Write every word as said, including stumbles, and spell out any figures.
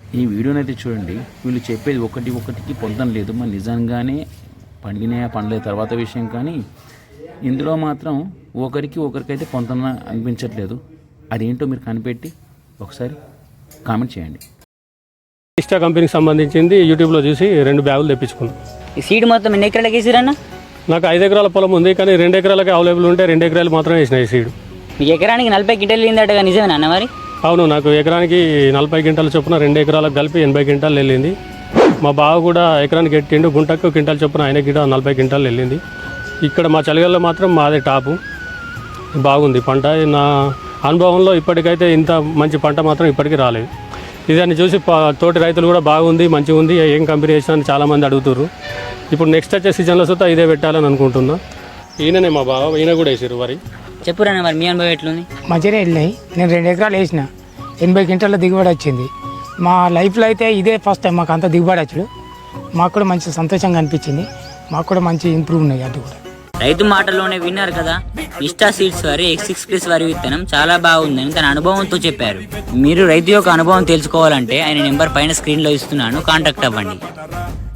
ఈ వీడియోనైతే చూడండి. వీళ్ళు చెప్పేది ఒకటి ఒకటికి పొందడం లేదు. మరి నిజంగానే పండిన పండలే తర్వాత విషయం, కానీ ఇందులో మాత్రం ఒకరికి ఒకరికైతే పొందన అనిపించట్లేదు. అదేంటో మీరు కనిపెట్టి ఒకసారి కామెంట్ చేయండి. ఇస్టా కంపెనీకి సంబంధించింది యూట్యూబ్లో చూసి రెండు బ్యాగులు తెప్పించుకున్నాం. ఈ సీడ్ మొత్తం ఎన్ని ఎకరాలకి వేసిరన్న? నాకు ఐదు ఎకరాల పొలం ఉంది, కానీ రెండు ఎకరాలకి అవైలబుల్ ఉంటే రెండు ఎకరాలు మాత్రమే వేసిన ఈ సీడ్. మీకు ఎకరానికి నలభై గింటలు వెళ్ళిందట, నిజమేనా అన్న? మరి అవును, నాకు ఎకరానికి నలభై గింటల చొప్పున రెండు ఎకరాలకు కలిపి ఎనభై గింటాలు వెళ్ళింది. మా బావ కూడా ఎకరానికి ఎట్టిండు, గుంటకు గింటల చొప్పున ఆయన గిట నలభై గింటాలు వెళ్ళింది. ఇక్కడ మా చలిగల్లో మాత్రం మాదే టాపు. బాగుంది పంట. నా అనుభవంలో ఇప్పటికైతే ఇంత మంచి పంట మాత్రం ఇప్పటికీ రాలేదు. ఇదాన్ని చూసి తోటి రైతులు కూడా బాగుంది, మంచిగా ఉంది, ఏం కంపెనీ వేసినా అని చాలామంది అడుగుతారు. ఇప్పుడు నెక్స్ట్ వచ్చే సీజన్లో సుతా ఇదే పెట్టాలని అనుకుంటున్నా. ఈయననే మా బావ, ఈయన కూడా వేసారు వరి. చెప్పురాన్న మరి మీ అనుభవం ఎట్లుంది? మంచిగానే వెళ్ళినాయి. నేను రెండు ఎకరాలు వేసిన, ఎనభై క్వింటాల దిగుబడి వచ్చింది. మా లైఫ్లో అయితే ఇదే ఫస్ట్ టైం మాకు అంత దిగుబడి వచ్చాడు. మాకు కూడా మంచి సంతోషంగా అనిపించింది. మాకు కూడా మంచి ఇంప్రూవ్ ఉన్నాయి. అటు కూడా రైతు మాటల్లోనే విన్నారు కదా. ఇస్టా సీడ్స్ వారి ఎక్స్ సిక్స్ ప్లస్ వారి విత్తనం చాలా బాగుందని తన అనుభవంతో చెప్పారు. మీరు రైతు యొక్క అనుభవం తెలుసుకోవాలంటే ఆయన నెంబర్ పైన స్క్రీన్లో ఇస్తున్నాను, కాంటాక్ట్ అవ్వండి.